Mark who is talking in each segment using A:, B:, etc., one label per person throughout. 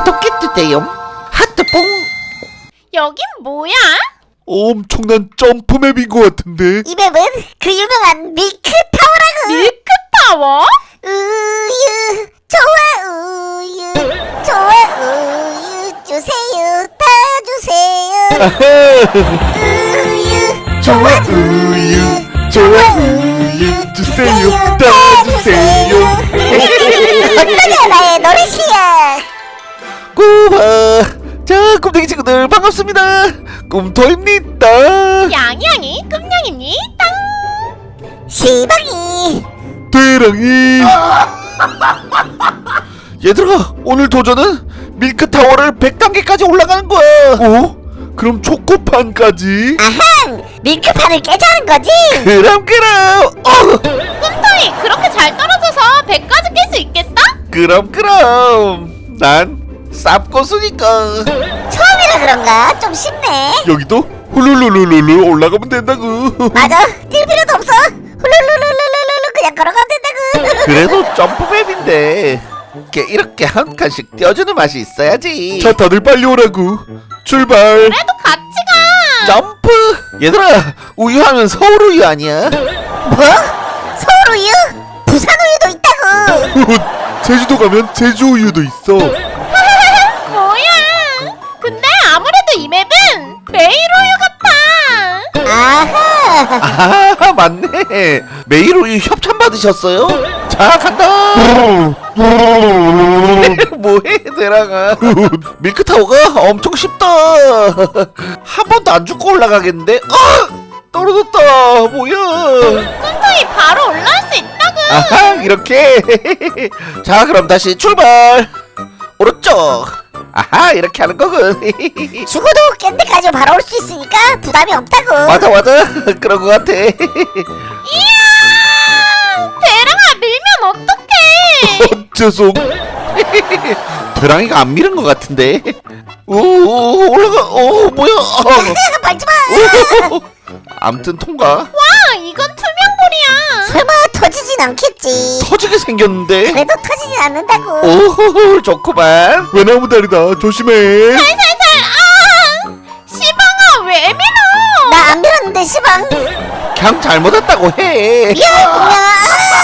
A: 구독해주세요. 하트뽕.
B: 여긴 뭐야?
C: 엄청난 점프맵인 것 같은데.
D: 이 맵은 그 유명한 밀크타워라고.
B: 밀크타워?
D: 우유 좋아 우유 좋아 우유 주세요 다 주세요. 우유 좋아 우유
C: 좋아 우유 주세요 다 주세요.
D: 어떠냐 나의 노래 실력.
A: 꼬마. 자, 꿈댕이 친구들 반갑습니다. 꿈토입니다.
B: 양양이 꿈냥입니다.
D: 시방이
C: 대랑이.
A: 얘들아, 오늘 도전은 밀크타워를 100단계까지 올라가는 거야.
C: 어? 그럼 초코판까지?
D: 아항 밀크판을 깨자는 거지.
A: 그럼
B: 꿈토이 그렇게 잘 떨어져서 100까지 깰 수 있겠어?
A: 그럼 난 쌉고수니까.
D: 처음이라 그런가 좀 쉽네.
C: 여기도 훌룰룰룰룰 올라가면 된다고.
D: 맞아 뛸 필요도 없어. 훌룰룰룰룰룰 그냥 걸어가면 된다고.
A: 그래도 점프맵인데 이렇게 한 칸씩 띄워주는 맛이 있어야지.
C: 자, 다들 빨리 오라고. 출발.
B: 그래도 같이 가.
A: 점프. 얘들아, 우유하면 서울 우유 아니야?
D: 뭐? 서울 우유? 부산 우유도 있다고.
C: 제주도 가면 제주 우유도 있어.
B: 뭐야? 근데 아무래도 이 맵은 매일 우유 같아.
D: 아하
A: 아, 맞네. 매일 우유 협찬 받으셨어요? 자, 간다. 뭐해, 대랑아. 밀크타워가 엄청 쉽다. 한 번도 안 죽고 올라가겠는데? 떨어졌다. 뭐야?
B: 꿈토이 바로 올라올 수 있다고.
A: 아하, 이렇게. 자, 그럼 다시 출발. 오른쪽. 아하, 이렇게 하는 거군.
D: 죽어도 깬 데까지 바로 올 수 있으니까 부담이 없다고.
A: 맞아. 그런 거 같아.
B: 이야! 대랑아 밀면 어떡해?
C: 죄송.
A: 대랑이가 안 미는 것 같은데. 오, 올라가. 뭐야?
D: 밟지 마.
A: 암튼 통과.
B: 와 이건 투명볼이야.
D: 설마 터지진 않겠지.
A: 터지게 생겼는데.
D: 그래도 터지진 않는다고.
A: 오, 좋구만.
C: 외나무 다리다. 조심해.
B: 살살살. 시방아 왜 밀어?
D: 나 안 밀었는데 시방.
A: 그냥 잘못 왔다고 해.
D: 미안 공룡아.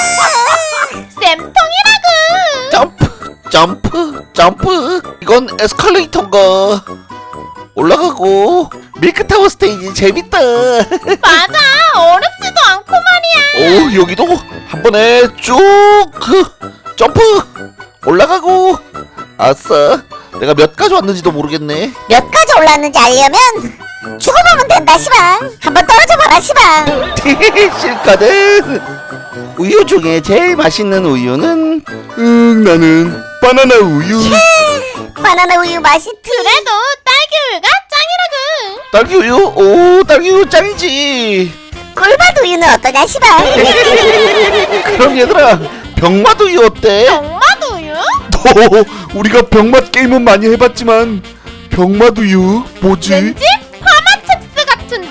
B: 쌤통이라고.
A: 점프. 이건 에스컬레이터인가? 올라가고. 밀크타워 스테이지 재밌다.
B: 맞아 어렵지도 않고 말이야.
A: 오, 여기도 한 번에 쭉 점프. 올라가고. 아싸. 내가 몇 가지 왔는지도 모르겠네.
D: 몇 가지 올랐는지 알려면 죽어보면 된다 시방. 한번 떨어져 봐라 시방.
A: 실거든. 우유 중에 제일 맛있는 우유는
C: 나는 바나나 우유.
D: 바나나 우유 맛이
B: 그래도 딸기 우유가 짱이라고.
A: 딸기 우유. 오, 딸기 우유 짱이지.
D: 꿀맛 우유는 어떠냐 시방.
A: 그럼 얘들아, 병맛 우유 어때?
B: 병맛 우유?
C: 우리가 병맛 게임은 많이 해봤지만 병맛 우유 뭐지?
B: 왠지 파마첵스 같은데?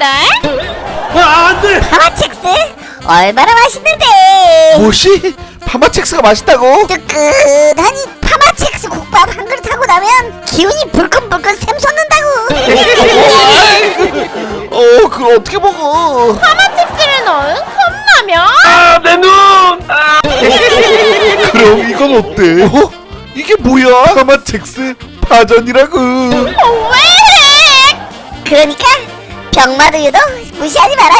D: 파마첵스? 얼마나 맛있는데.
A: 뭐시? 파마첵스가 맛있다고?
D: 뜨끈하니 파마첵스 국밥 한 그릇 하고 나면 기운이 불끈불끈 샘솟는다고.
A: 그걸 어떻게 먹어?
B: 파마첵스를 넣은 컵라면?
C: 그럼 이건 어때?
A: 이게 뭐야?
C: 파마첵스 파전이라고.
B: 왜?
D: 그러니까 병맛 우유도 무시하지 마라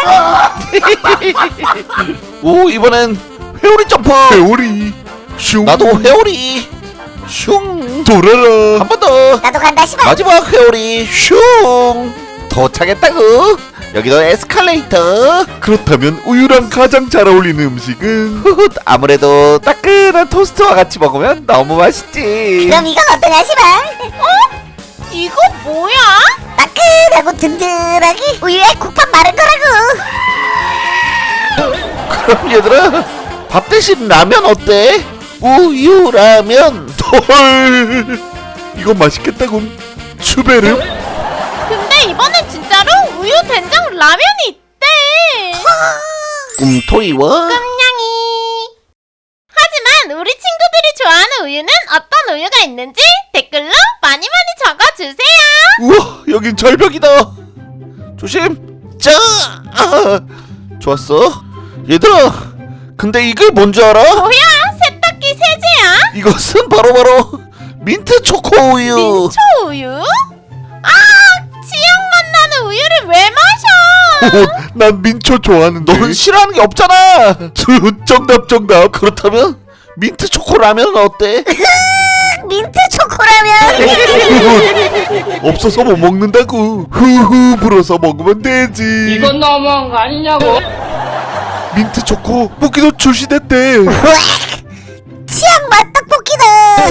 D: 시방.
A: 오, 이번엔 회오리 점프.
C: 회오리 슝.
A: 나도 회오리. 슝.
C: 돌아라.
A: 한 번 더.
D: 나도 간다 시방.
A: 마지막 회오리. 슝. 도착했다고. 여기도 에스컬레이터.
C: 그렇다면 우유랑 가장 잘 어울리는 음식은
A: 후훗, 아무래도 따끈한 토스트와 같이 먹으면 너무 맛있지.
D: 그럼 이건 어떠냐 시방.
B: 이거 뭐야?
D: 따끈하고 든든하게 우유에 국밥 마른 거라고.
A: 그럼 얘들아, 밥 대신 라면 어때? 우유 라면.
C: 헐. 이거 맛있겠다군. 추베르.
B: 근데 이번엔 진짜로 우유 된장 라면이 있대.
A: 꿈토이와
B: 꿈냥이. 하지만 우리 친구들이 좋아하는 우유는 어떤 우유가 있는지 댓글 댓글로 많이 적어주세요.
A: 우와, 여긴 절벽이다. 조심. 자, 좋았어. 얘들아, 근데 이게 뭔지 알아?
B: 뭐야, 세탁기 세제야?
A: 이것은 바로 민트 초코 우유.
B: 민초 우유? 아, 치약맛 나는 우유를 왜 마셔?
C: 난 민초 좋아하는데.
A: 넌 싫어하는 게 없잖아.
C: 정답.
A: 그렇다면 민트 초코 라면은 어때?
D: 민트 초코라면
C: 없어서 못 먹는다고. 후후 불어서 먹으면 되지.
E: 이건 너무한 거 아니냐고.
C: 민트 초코 뽑기도 출시됐대.
D: 치약맛 떡볶이다.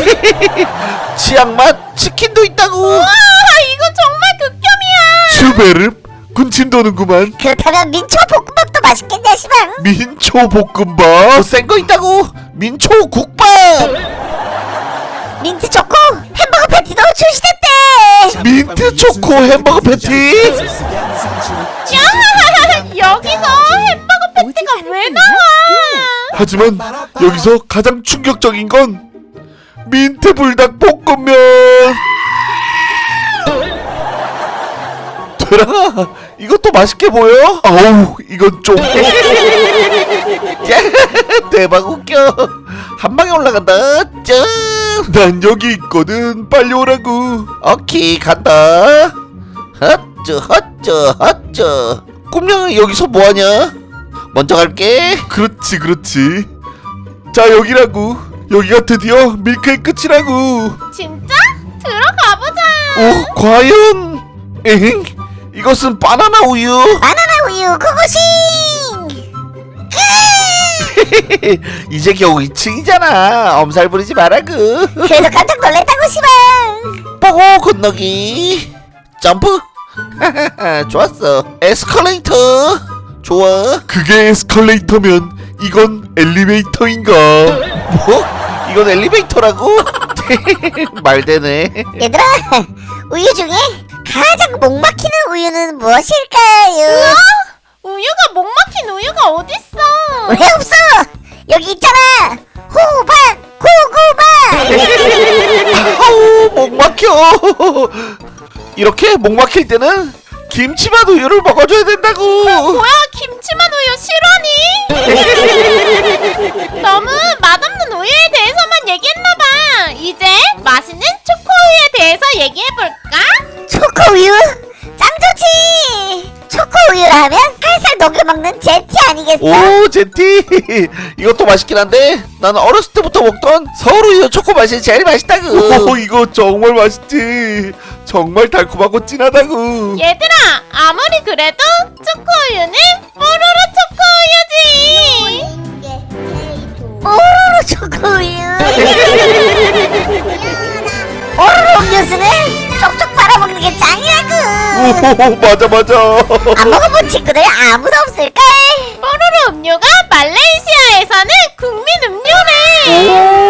A: 치약맛 치킨도 있다고.
B: 아, 이건 정말 극혐이야.
C: 슈베르 군침 도는구만.
D: 그렇다면 민초 볶음밥도 맛있겠냐 시방.
C: 민초 볶음밥.
A: 더 센 거 있다고. 민초 국밥.
D: 민트 초코 햄버거 패티도 출시됐대.
C: 민트 초코 햄버거 패티.
B: 야, 여기서 햄버거 패티가 왜 나와?
C: 하지만 여기서 가장 충격적인 건 민트 불닭 볶음면.
A: 되랑아, 이것도 맛있게 보여?
C: 아우 이건 좀.
A: 대박 웃겨. 한 방에 올라간다. 짠.
C: 난 여기 있거든. 빨리 오라고.
A: 오케이, 간다. 헛쩌. 꿈냥이 여기서 뭐하냐? 먼저 갈게.
C: 그렇지. 자 여기라고. 여기가 드디어 밀크의 끝이라고.
B: 진짜? 들어가 보자.
A: 오, 과연? 에잉? 이것은 바나나 우유.
D: 바나나 우유 고고싱.
A: 이제 겨우 2층이잖아. 엄살 부리지 마라구.
D: 그래도 깜짝 놀랐다고 시방.
A: 보고 건너기. 점프. 좋았어. 에스컬레이터. 좋아.
C: 그게 에스컬레이터면 이건 엘리베이터인가?
A: 뭐? 이건 엘리베이터라고? 말되네.
D: 얘들아, 우유 중에 가장 목 막히는 우유는 무엇일까요?
B: 우유가 목 막힌 우유가 어딨어?
D: 왜 없어? 여기 있잖아. 호박, 고구마.
A: 아우, 목 막혀. 이렇게 목 막힐 때는 김치맛 우유를 먹어줘야 된다고.
B: 뭐야, 김치맛 우유 싫어하니? 너무 맛없는 우유에 대해서만 얘기했나봐. 이제 맛있는 초코 우유에 대해서 얘기해볼까?
D: 초코 우유? 짱 좋지. 초코 우유라 하면 살살 녹여 먹는 제티 아니겠어?
A: 오, 제티. 이것도 맛있긴 한데 나는 어렸을 때부터 먹던 서울 우유 초코 맛이 제일 맛있다고.
C: 오 이거 정말 맛있지. 정말 달콤하고 진하다고.
B: 얘들아, 아무리 그래도 초코 우유는 뽀로로 초코 우유지.
D: 오로로 초코 우유. 오로로 음료수는 쪽쪽 빨아먹는 게 짱이라고.
C: 오 맞아.
D: 안 먹어본 친구들 아무도 없을걸?
B: 뽀로로 음료가 말레이시아에서는 국민 음료래.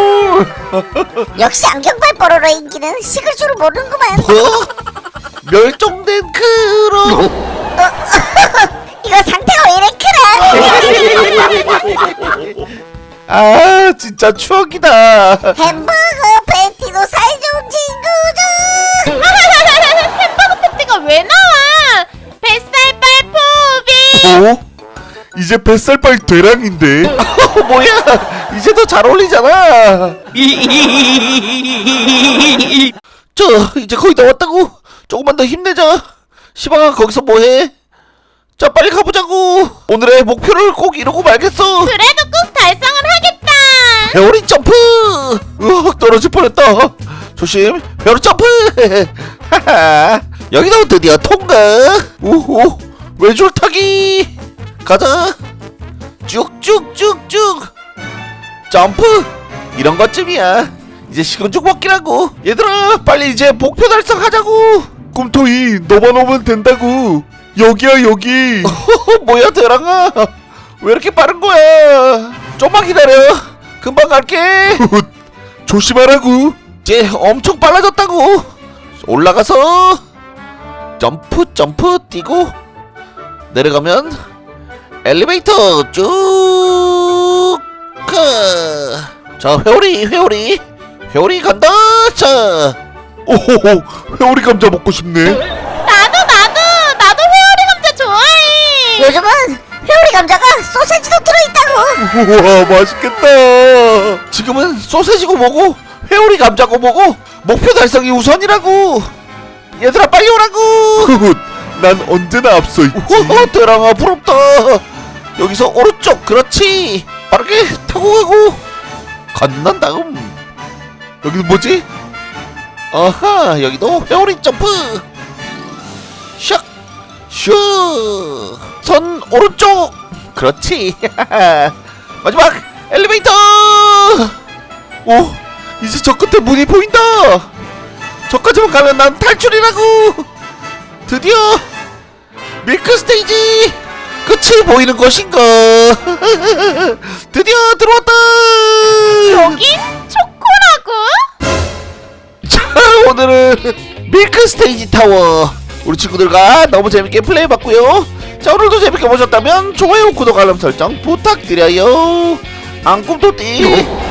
D: 역시 안경발 뽀로로의 인기는 식을 줄을 모르는구만.
A: 뭐? 멸종된 크로.
D: 이거 상태가 왜 이래 크라?
A: 아, 진짜 추억이다.
D: 햄버거 패티도 사이좋은 친구죠.
B: 햄버거 패티가 왜 나와? 뱃살발 포비.
C: 어? 이제 뱃살빨 되랑인데.
A: 뭐야? 이제 더 잘 어울리잖아. 저 이제 거의 다 왔다고. 조금만 더 힘내자. 시방아, 거기서 뭐해? 자, 빨리 가보자고. 오늘의 목표를 꼭 이루고 말겠어.
B: 그래도 꼭 달성을 하겠다.
A: 회오리 점프. 으악, 떨어질 뻔했다. 조심. 회오리 점프. 하하. 여기도 드디어 통과. 오호, 외줄 타기. 가자. 쭉쭉쭉쭉. 점프. 이런 것쯤이야. 이제 식은죽 먹기라고. 얘들아, 빨리 이제 목표 달성하자고.
C: 꿈토이 너만 오면 된다고. 여기야 여기.
A: 뭐야, 대랑아. 왜 이렇게 빠른 거야? 좀만 기다려. 금방 갈게.
C: 조심하라고.
A: 이제 엄청 빨라졌다고. 올라가서 점프 뛰고 내려가면 엘리베이터 쭉 가. 자, 회오리 간다. 자,
C: 오호호, 회오리 감자 먹고 싶네.
B: 나도 회오리 감자 좋아해.
D: 요즘은 회오리 감자가 소세지도 들어있다고.
C: 우와, 맛있겠다.
A: 지금은 소세지고 뭐고 회오리 감자고 뭐고 목표 달성이 우선이라고. 얘들아 빨리 오라고.
C: 훗, 난 언제나 앞서 있지.
A: 호호 드랑아 부럽다. 여기서 오른쪽 그렇지. 빠르게 타고 가고 건넌 다음 여기는 뭐지? 아하 여기도 회오리 점프. 샥! 오른쪽 그렇지. 마지막 엘리베이터. 오 이제 저 끝에 문이 보인다. 저까지만 가면 난 탈출이라고. 드디어 밀크 스테이지 끝이 보이는 것인가. 드디어 들어왔다.
B: 여긴 초코라고?
A: 자 오늘은 밀크 스테이지 타워 우리 친구들과 너무 재밌게 플레이해봤고요. 자 오늘도 재밌게 보셨다면 좋아요 구독 알람 설정 부탁드려요. 앙꿈토띠